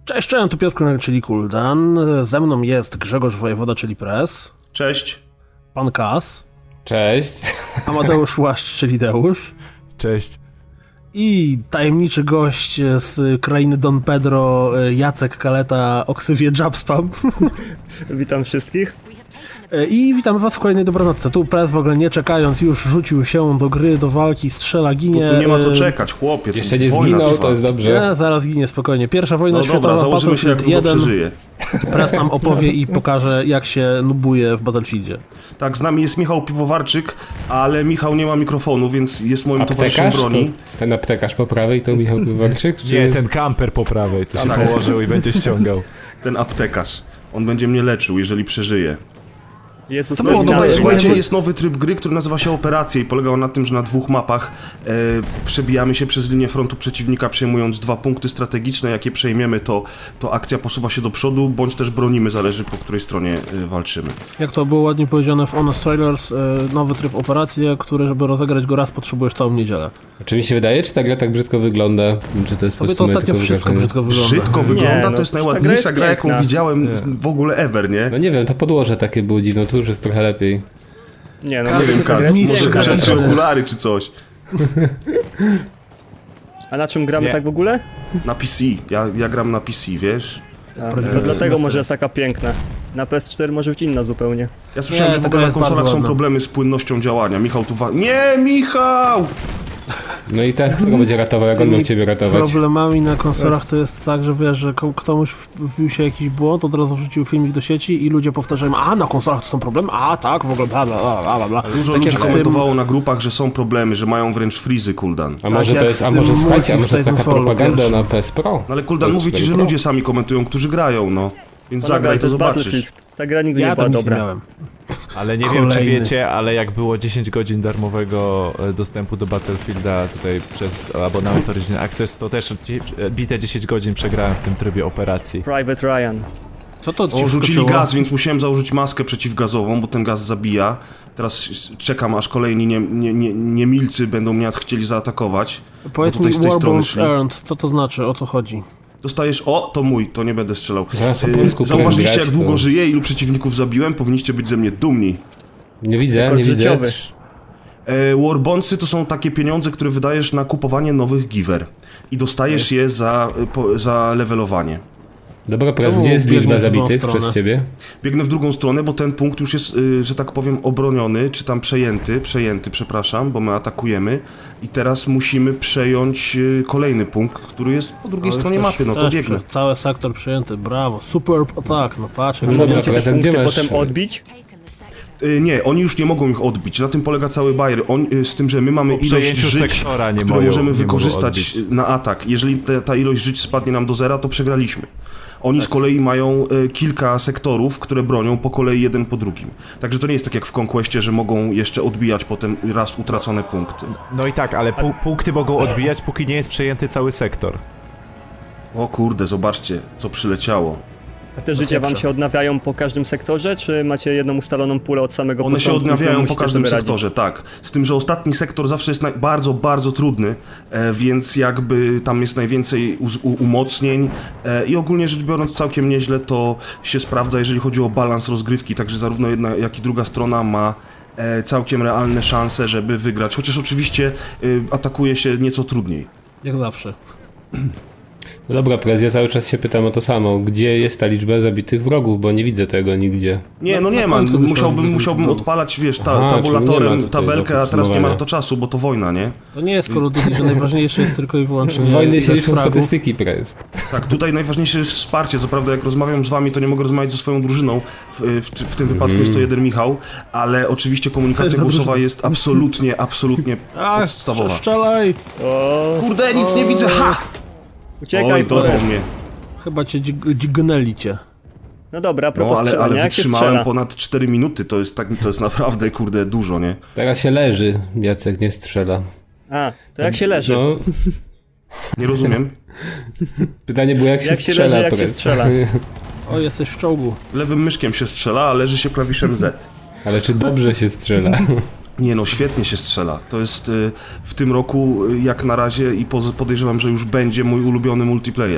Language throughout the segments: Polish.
Cześć, tu Piotr Kunek, czyli Kuldan. Ze mną jest Grzegorz Wojewoda, czyli Press. Cześć. Pan Kas. Cześć. Amadeusz Łaszcz, czyli Deusz. Cześć. I tajemniczy gość z krainy Don Pedro, Jacek Kaleta o ksywie Jabspam. Witam wszystkich. I witamy was w kolejnej dobranocce. Tu Press w ogóle nie czekając już rzucił się do gry, do walki, strzela, ginie. Tu nie ma co czekać, chłopie. Jeszcze nie zginął, to jest dobrze. Nie, zaraz ginie, spokojnie. Pierwsza wojna No światowa, dobra, założymy się, jak Battlefield długo 1. przeżyje. Press nam opowie i pokaże, jak się nubuje w Battlefieldzie. Tak, z nami jest Michał Piwowarczyk, ale Michał nie ma mikrofonu, więc jest moim towarzyszem Aptekarz? broni. Ten aptekarz po prawej to Michał Piwowarczyk? Czy... Nie, ten kamper po prawej, to się położył i będzie ściągał. Ten aptekarz. On będzie mnie leczył, jeżeli przeżyje. Jezus, Co było Maria, dobre? Słuchajcie, jest nowy tryb gry, który nazywa się Operacje i polega on na tym, że na dwóch mapach przebijamy się przez linię frontu przeciwnika, przejmując 2 punkty strategiczne. Jak je przejmiemy, to akcja posuwa się do przodu, bądź też bronimy, zależy po której stronie walczymy. Jak to było ładnie powiedziane w Honest Trailers, nowy tryb operacji, który, żeby rozegrać go raz, potrzebujesz całą niedzielę. Czy mi się wydaje, czy ta gra tak brzydko wygląda? Czy to jest po Tobie to prostu moje ostatnio tylko wszystko wrażenie? brzydko wygląda. Brzydko wygląda, no, to jest ta gra najładniejsza jest gra, jaką piękna. widziałem w ogóle ever, nie? No nie wiem, to podłoże takie było dziwne, tu już jest trochę lepiej. Nie, no Nie wiem, ta gra Kaz, jest mistrz może piękna. gry. przetrz okulary czy coś. A na czym gramy Nie. tak w ogóle? Na PC, ja gram na PC, wiesz? To dlatego może jest taka piękna. Na PS4 może być inna zupełnie. Ja słyszałem, Nie, że w ta ogóle gra na jest bardzo konsolach są ładna. problemy z płynnością działania. Michał tu Nie, Michał! No i teraz kto go będzie ratował, jak on miał ciebie ratować? Problemami na konsolach to jest tak, że wiesz, że komuś wbił się jakiś błąd, od razu wrzucił filmik do sieci i ludzie powtarzają, a na konsolach to są problemy, a tak, w ogóle bla bla bla bla bla. Dużo Tak ludzi jak z tym- komentowało na grupach, że są problemy, że mają wręcz frizy, Kuldan. A może jak to jest, z a tym może słuchajcie, a multi może w taka Titanfallu, propaganda wiesz? na PS Pro? No ale Kuldan To mówi jest ci, że Pro. ludzie sami komentują, którzy grają, no. Więc Panowie, zagraj, ale to jest zobaczysz. Battlefield. Ta gra nigdy Ja nie była tam nic nie dobra. miałem. Ale nie wiem, czy Kolejny. wiecie, ale jak było 10 godzin darmowego dostępu do Battlefielda tutaj przez abonament Origin Access, to też bite 10 godzin przegrałem w tym trybie operacji. Private Ryan. Co to ci O, rzucili wskoczyło? gaz, więc musiałem założyć maskę przeciwgazową, bo ten gaz zabija. Teraz czekam, aż kolejni niemilcy będą mnie chcieli zaatakować. Powiedz bo tutaj mi, z tej strony Warbones szli. Earned, co to znaczy, o co chodzi? Dostajesz, o, to mój, to nie będę strzelał. Zaraz po polsku Zauważyliście, grać, jak długo to- żyję, ilu przeciwników zabiłem? Powinniście być ze mnie dumni. Nie widzę, Rekord nie widzę. życiowy. Warbondsy to są takie pieniądze, które wydajesz na kupowanie nowych giver. I dostajesz je za levelowanie. Dobra, teraz Czemu gdzie jest biegniesz liczba w złą zabitych stronę? przez ciebie? Biegnę w drugą stronę, bo ten punkt już jest, że tak powiem, obroniony, czy tam przejęty, przepraszam, bo my atakujemy. I teraz musimy przejąć kolejny punkt, który jest po drugiej No, stronie już mapy, no to też biegnę. Cały sektor przejęty, brawo, superb attack, no patrz. jak No dobra, lubię. Możecie te teraz gdzie punkty masz- potem odbić? Nie, oni już nie mogą ich odbić, na tym polega cały bajer, z tym, że my mamy Po ilość przejęciu żyć, sektora nie którą mogą- możemy nie mogą wykorzystać odbić. na atak. Jeżeli ta ilość żyć spadnie nam do zera, to przegraliśmy. Oni z kolei mają kilka sektorów, które bronią po kolei jeden po drugim. Także to nie jest tak jak w Conquestie, że mogą jeszcze odbijać potem raz utracone punkty. No i tak, ale punkty mogą odbijać, póki nie jest przejęty cały sektor. O kurde, zobaczcie, co przyleciało. A te życia wam się odnawiają po każdym sektorze, czy macie jedną ustaloną pulę od samego One się początku i odnawiają po musicie każdym sobie radzić? sektorze, tak. Z tym, że ostatni sektor zawsze jest bardzo, bardzo trudny, więc jakby tam jest najwięcej umocnień i ogólnie rzecz biorąc całkiem nieźle to się sprawdza, jeżeli chodzi o balans rozgrywki, także zarówno jedna, jak i druga strona ma całkiem realne szanse, żeby wygrać, chociaż oczywiście atakuje się nieco trudniej. Jak zawsze. No dobra, Prez, ja cały czas się pytam o to samo. Gdzie jest ta liczba zabitych wrogów, bo nie widzę tego nigdzie. Nie, no Na nie ma, końcu musiałbym wyszło odpalać, wiesz, Aha, czyli nie tabulatorem ma tutaj tabelkę, do a teraz nie ma na podsumowania. to czasu, bo to wojna, nie? To nie jest Call of Duty, że najważniejsze jest tylko i wyłącznie W wojnie się ilość liczą fragów. statystyki, Prez. Tak, tutaj najważniejsze jest wsparcie. Co prawda, jak rozmawiam z wami, to nie mogę rozmawiać ze swoją drużyną. W tym wypadku jest to jeden Michał, ale oczywiście komunikacja Jedna głosowa drużyna. jest absolutnie A, podstawowa. strzelaj! O, Kurde, nic nie widzę, ha! uciekaj, Oj, dorwał Forest. mnie. Chyba cię dźgnęli cię. No dobra, a No, propos ale strzelania, jak się wytrzymałem strzela? ponad 4 minuty, to jest naprawdę, kurde, dużo, nie? Teraz się leży, Jacek nie strzela. A, to jak się leży? No, Nie rozumiem. pytanie było jak się Jak się strzela, leży, jak się Prez. strzela? O, jesteś w czołgu. Lewym myszkiem się strzela, a leży się klawiszem Z. Ale czy dobrze się strzela? Nie no, świetnie się strzela. To jest w tym roku, jak na razie, i podejrzewam, że już będzie mój ulubiony multiplayer.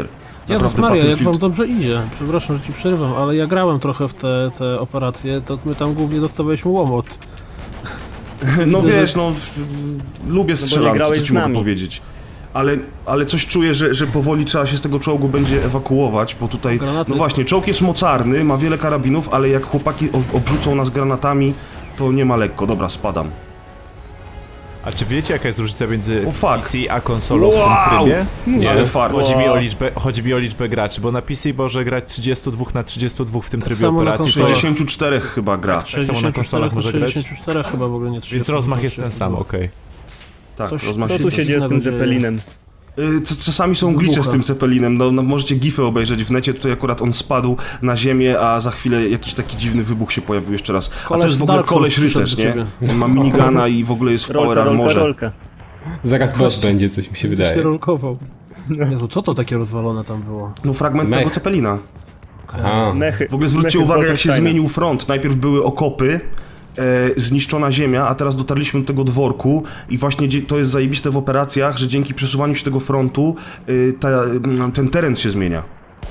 Jezus Maria, jak Battlefield- wam dobrze idzie. Przepraszam, że ci przerywam, ale ja grałem trochę w te operacje, to my tam głównie dostawaliśmy łomot. No Widzę, wiesz, lubię strzelanki, grałeś co ci z mogę nami. powiedzieć. Ale coś czuję, że powoli trzeba się z tego czołgu będzie ewakuować, bo tutaj, Granaty. no właśnie, czołg jest mocarny, ma wiele karabinów, ale jak chłopaki obrzucą nas granatami, to nie ma lekko. Dobra, spadam. A czy wiecie, jaka jest różnica między O, fuck. PC a konsolą w tym Wow! trybie? Nie. Ale fart. Chodzi mi o liczbę graczy, bo na PC może grać 32 na 32 w tym trybie samo na operacji, konsolach. co 64 chyba gra. Tak samo na konsolach może grać? 64 chyba w ogóle nie 30. Więc rozmach jest ten sam, okej. Tak, Coś- rozmach Co się... tu się dzieje z tym dziwnego dzieje. Zeppelinem? Czasami są glicze z Wybucha. tym Zeppelinem, no możecie gify obejrzeć w necie, tutaj akurat on spadł na ziemię, a za chwilę jakiś taki dziwny wybuch się pojawił jeszcze raz. A Koleś to jest w z ogóle Dark Souls koleś rycerz, przyszedł do nie? ciebie. On ma minigana i w ogóle jest w power armorze. Rolka. Zaraz boss będzie, coś mi się Się wydaje. rolkował. Jezu, co to takie rozwalone tam było? No fragment Mech. tego Zeppelina. Aha. Mechy. W ogóle zwróćcie mechy z uwagę, jak się Wolfensteina. zmienił front. Najpierw były okopy, zniszczona ziemia, a teraz dotarliśmy do tego dworku i właśnie to jest zajebiste w operacjach, że dzięki przesuwaniu się tego frontu ten teren się zmienia.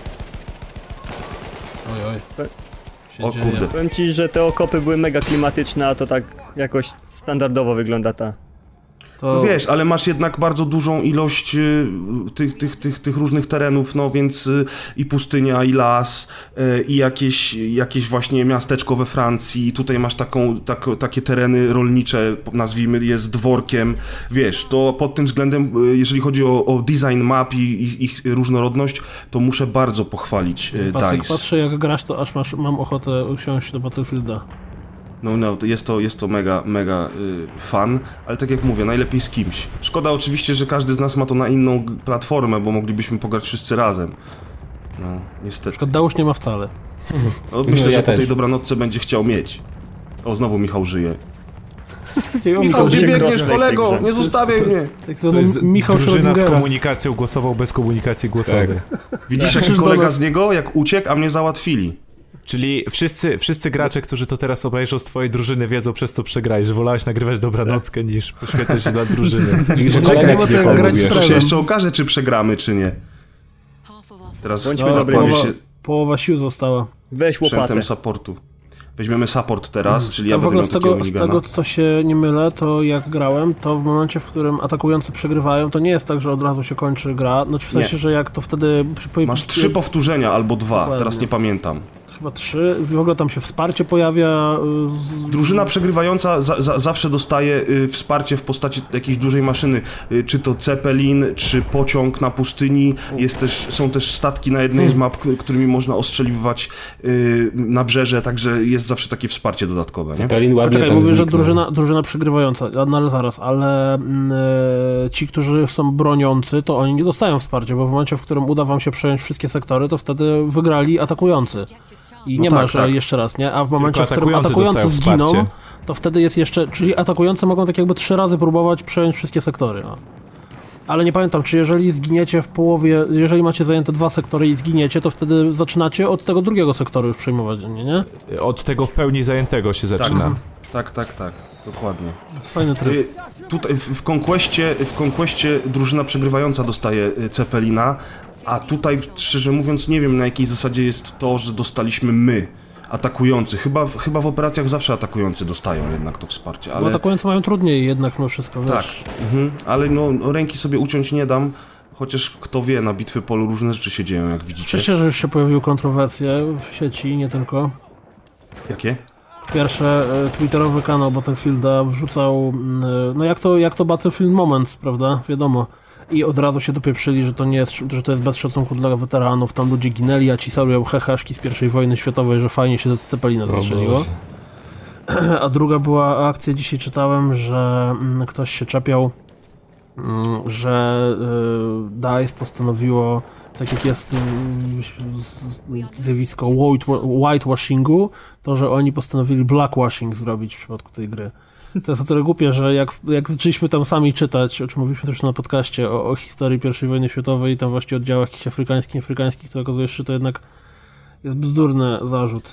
Oj, oj. Się O dzieje. kurde. Powiem ci, że te okopy były mega klimatyczne, a to tak jakoś standardowo wygląda ta. To No wiesz, ale masz jednak bardzo dużą ilość tych różnych terenów, no więc i pustynia, i las, i jakieś właśnie miasteczko we Francji, tutaj masz takie tereny rolnicze, nazwijmy je z dworkiem, wiesz, to pod tym względem, jeżeli chodzi o design map i ich różnorodność, to muszę bardzo pochwalić Pasek, DICE. patrzę jak grasz, to aż mam ochotę usiąść do Battlefielda. No, to jest to mega fan, ale tak jak mówię, najlepiej z kimś. Szkoda oczywiście, że każdy z nas ma to na inną platformę, bo moglibyśmy pograć wszyscy razem. No, niestety. Dałusz nie ma wcale. No, myślę, ja że po też. tej dobranocce będzie chciał mieć. O, znowu Michał żyje. Takiego Michał, Michał, gdzie biegniesz, kolego? Nie zostawiaj mnie! tak To zwany jest Michał drużyna z Schrödingera. komunikacją głosową bez komunikacji głosowej. Widzisz, jaki Krzyż do kolega nas. z niego, jak uciekł, a mnie załatwili. Czyli wszyscy gracze, którzy to teraz obejrzą z twojej drużyny, wiedzą, przez co przegrałeś, że wolałeś nagrywać dobranockę niż poświęcać się dla drużyny. I że Czekaj, kolega nie ci ma nie tego grać hołduje. z To się Trevem. jeszcze okaże, czy przegramy, czy nie. Teraz Bądźmy powie dobrymi. się Połowa sił została. Weź łopatę. sprzętem supportu. Weźmiemy support teraz, czyli ja To w będę ogóle miał takiego z minigana. tego, co się nie mylę, to jak grałem, to w momencie, w którym atakujący przegrywają, to nie jest tak, że od razu się kończy gra. No w sensie, Nie. że jak to wtedy... Masz 3 powtórzenia albo 2, Dokładnie. teraz nie pamiętam. Chyba 3. W ogóle tam się wsparcie pojawia. Drużyna przegrywająca zawsze dostaje wsparcie w postaci jakiejś dużej maszyny, czy to Zeppelin, czy pociąg na pustyni. Są też statki na jednej z map, którymi można ostrzeliwać nabrzeże, także jest zawsze takie wsparcie dodatkowe, nie? Pelin ładnie Poczekaj, tam mówię, że zniknął. drużyna przegrywająca, no ale zaraz, ale ci, którzy są broniący, to oni nie dostają wsparcia, bo w momencie, w którym uda wam się przejąć wszystkie sektory, to wtedy wygrali atakujący. I No nie tak, ma, że tak. jeszcze raz, nie? A w momencie, w którym atakujący atakujący dostają zginą, wsparcie. to wtedy jest jeszcze, czyli atakujący mogą tak jakby 3 razy próbować przejąć wszystkie sektory. No. Ale nie pamiętam, czy jeżeli zginiecie w połowie, jeżeli macie zajęte 2 sektory i zginiecie, to wtedy zaczynacie od tego drugiego sektoru już przejmować, nie? Od tego w pełni zajętego się zaczyna. Tak, dokładnie. To jest fajny tryb. Tutaj w Conquestie drużyna przegrywająca dostaje Zeppelina, a tutaj, szczerze mówiąc, nie wiem, na jakiej zasadzie jest to, że dostaliśmy my, atakujący. Chyba w operacjach zawsze atakujący dostają jednak to wsparcie, Bo ale... atakujący mają trudniej jednak mimo wszystko, wiesz. Tak, ale no ręki sobie uciąć nie dam, chociaż kto wie, na bitwy polu różne rzeczy się dzieją, jak widzicie. Cieszę się, że już się pojawiły kontrowersje w sieci, nie tylko. Jakie? Pierwsze, twitterowy kanał Battlefielda wrzucał, no jak to Battlefield Moments, prawda, wiadomo. I od razu się dopieprzyli, że to nie jest, że to jest bez szacunku dla weteranów, tam ludzie ginęli, a ci sobie heheszki z I wojny światowej, że fajnie się z Zeppelina zastrzeliło. A druga była akcja, dzisiaj czytałem, że ktoś się czepiał, że DICE postanowiło, tak jak jest zjawisko whitewashingu, to że oni postanowili blackwashing zrobić w przypadku tej gry. To jest o tyle głupie, że jak zaczęliśmy tam sami czytać, o czym mówiliśmy też na podcaście, o historii I wojny światowej i tam właśnie oddziałach jakichś afrykańskich, to okazuje się, że to jednak jest bzdurny zarzut.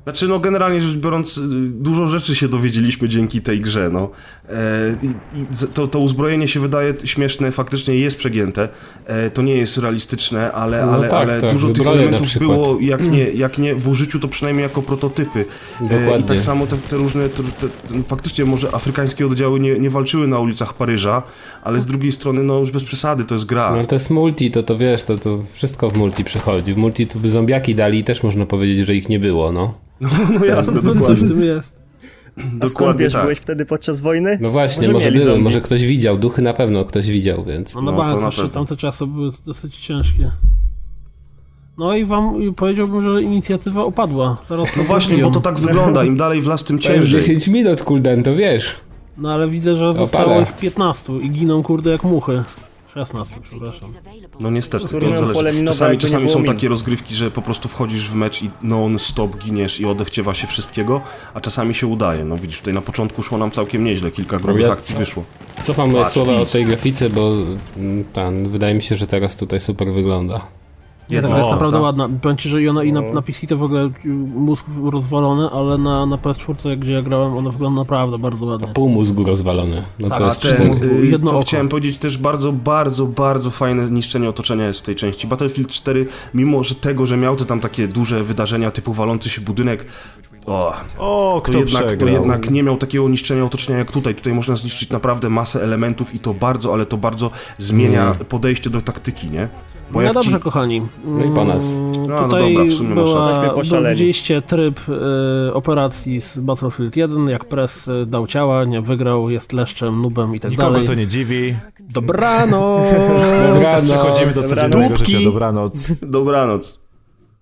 Znaczy, no generalnie rzecz biorąc, dużo rzeczy się dowiedzieliśmy dzięki tej grze, no. To uzbrojenie się wydaje śmieszne, faktycznie jest przegięte. To nie jest realistyczne, ale tak, dużo tych zbroje na elementów przykład. było, jak nie w użyciu, to przynajmniej jako prototypy. Dokładnie. I tak samo te różne, faktycznie może afrykańskie oddziały nie walczyły na ulicach Paryża, ale z drugiej strony, no już bez przesady, to jest gra. No ale to jest multi, to wiesz, to wszystko w multi przychodzi. W multi tu by zombiaki dali i też można powiedzieć, że ich nie było, no. No jasne, Coś w dokładnie. tym jest. A skąd Dokładnie wiesz, tak. byłeś wtedy podczas wojny? No właśnie, może mieli były, zombie. może ktoś widział, duchy na pewno ktoś widział, więc... No na No, bank, to na jeszcze pewno. tamte czasy były dosyć ciężkie. No i powiedziałbym, że inicjatywa opadła. Zaraz No właśnie, bo to tak wygląda, im dalej w las, tym To już ciężej. 10 minut, kulden, to wiesz. No ale widzę, że zostało Opada. ich 15 i giną kurde jak muchy. 16, przepraszam. No niestety, to Turnują pole zależy. minowe, Czasami, jakby nie czasami było są min. takie rozgrywki, że po prostu wchodzisz w mecz i non-stop giniesz i odechciewa się wszystkiego, a czasami się udaje. No widzisz, tutaj na początku szło nam całkiem nieźle, kilka grubych Ja- akcji wyszło. Cofam moje Patrz, słowa o widz. tej grafice, bo wydaje mi się, że teraz tutaj super wygląda. Nie, ta No, gra jest naprawdę tak. ładna. Powiem ci, że i ona i na PC to w ogóle mózg rozwalony, ale na PS4, gdzie ja grałem, ona wygląda naprawdę bardzo ładnie. Pół mózgu rozwalony. No Tak, to a jest ten- cztery. jedno Co oko. chciałem powiedzieć, też bardzo, bardzo, bardzo fajne niszczenie otoczenia jest w tej części. Battlefield 4, mimo że miał te tam takie duże wydarzenia typu walący się budynek, O, kto to przegrał? jednak nie miał takiego niszczenia otoczenia jak tutaj. Tutaj można zniszczyć naprawdę masę elementów i to bardzo, ale to bardzo zmienia podejście do taktyki, nie? Bo No jak dobrze, ci- kochani. No i po nas. No Tutaj dobra, w sumie masz rację. Myśmy poszaleli. widzieliście tryb operacji z Battlefield 1, jak Press dał ciała, nie wygrał, jest leszczem, nubem i tak Nikogo dalej. to nie dziwi. Dobranoc! Dobranoc. Przechodzimy do Dobranoc. codziennego Dupki. życia. Dobranoc. Dobranoc.